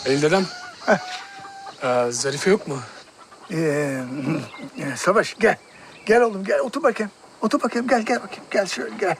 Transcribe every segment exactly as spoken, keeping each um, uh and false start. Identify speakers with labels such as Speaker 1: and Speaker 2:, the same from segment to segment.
Speaker 1: Halil dedem. Ee, Zarife yok mu?
Speaker 2: Ee, e, Savaş gel. Gel oğlum gel otur bakayım. Otur bakayım gel gel bakayım. Gel şöyle gel.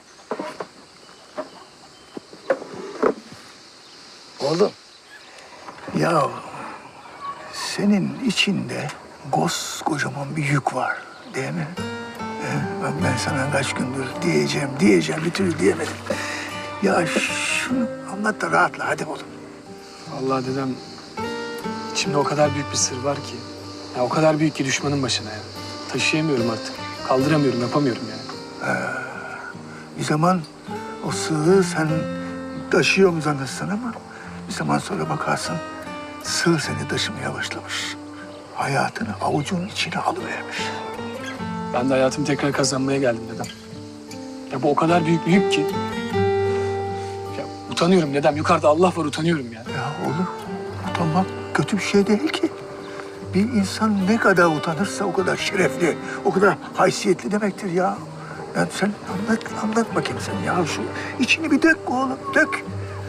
Speaker 2: Oğlum. Ya senin içinde koskocaman bir yük var değil mi? Ee, bak ben sana kaç gündür diyeceğim diyeceğim bir türlü diyemedim. Ya şunu anlat da rahatla hadi oğlum.
Speaker 1: Vallahi dedem, içimde o kadar büyük bir sır var ki. Ya o kadar büyük ki düşmanın başına ya. Taşıyamıyorum artık. Kaldıramıyorum, yapamıyorum yani.
Speaker 2: Bir zaman o sığ sen taşıyor mu zannettsin ama bir zaman sonra bakarsın sığ seni taşımaya başlamış. Hayatını avucunun içine alıvermiş.
Speaker 1: Ben de hayatımı tekrar kazanmaya geldim dedem. Ya bu o kadar büyük bir yük ki. Ya utanıyorum dedem. Yukarıda Allah var, utanıyorum yani.
Speaker 2: Ya oğlum utanmak kötü bir şey değil ki. Bir insan ne kadar utanırsa o kadar şerefli, o kadar haysiyetli demektir ya. Yani sen anlat, anlat bakayım sen ya şu içini bir dök oğlum, dök.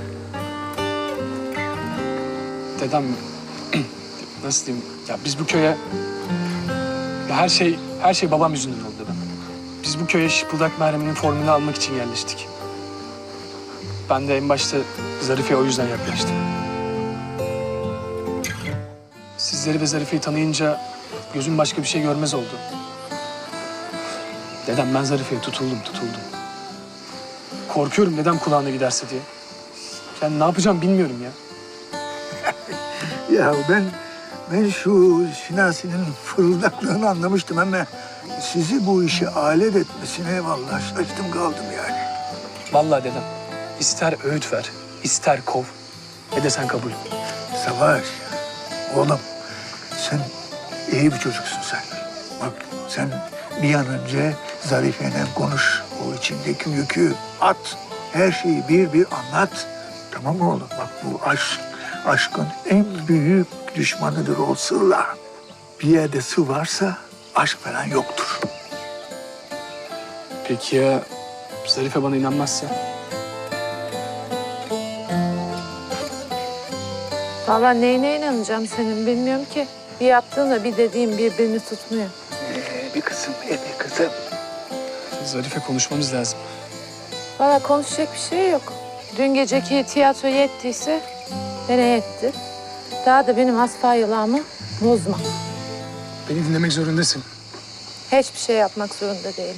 Speaker 1: Dedem, nasıl diyeyim? Ya biz bu köye... Ya her şey, her şey babam yüzünden oldu dedem. Biz bu köye şıpıldak merheminin formülünü almak için yerleştik. Ben de en başta Zarife'ye o yüzden yaklaştım. Sizleri ve Zarife'yi tanıyınca gözüm başka bir şey görmez oldu. Dedem, ben Zarife'ye tutuldum, tutuldum. Korkuyorum dedem kulağına giderse diye. Yani ne yapacağım bilmiyorum ya.
Speaker 2: Ya ben ben şu Şinasi'nin fırıldaklığını anlamıştım ama sizi bu işe alet etmesine vallahi şaştım kaldım yani.
Speaker 1: Vallahi dedem, ister öğüt ver, ister kov, ne desen kabul.
Speaker 2: Savaş, oğlum sen iyi bir çocuksun sen. Bak sen bir an önce Zarife'yle konuş. O içindeki yükü at. Her şeyi bir bir anlat. Tamam mı oğlum? Bak bu aşk, aşkın en büyük düşmanıdır o sırlar. Bir yerde sır varsa aşk falan yoktur.
Speaker 1: Peki ya Zarife bana inanmazsa?
Speaker 3: Vallahi neyine inanacağım senin bilmiyorum ki. Bir yaptığınla bir dediğin birbirini tutmuyor.
Speaker 2: Ee, bir kızım, e, bir kızım.
Speaker 1: Zarife, konuşmamız lazım.
Speaker 3: Vallahi konuşacak bir şey yok. Dün geceki tiyatro yettiyse nereye yetti? Daha da benim hasfa yılağımı bozma.
Speaker 1: Beni dinlemek zorundasın.
Speaker 3: Hiçbir şey yapmak zorunda değilim.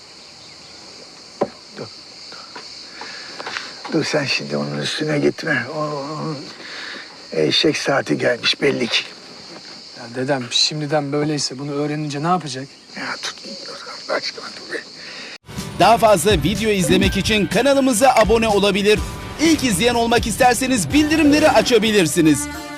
Speaker 2: Dur, dur. Dur sen şimdi onun üstüne gitme. O, onun eşek saati gelmiş belli ki.
Speaker 1: Ya dedem, şimdiden böyleyse bunu öğrenince ne yapacak?
Speaker 2: Ya tut, dur Allah aşkına dur be.
Speaker 4: Daha fazla video izlemek için kanalımıza abone olabilir. İlk izleyen olmak isterseniz bildirimleri açabilirsiniz.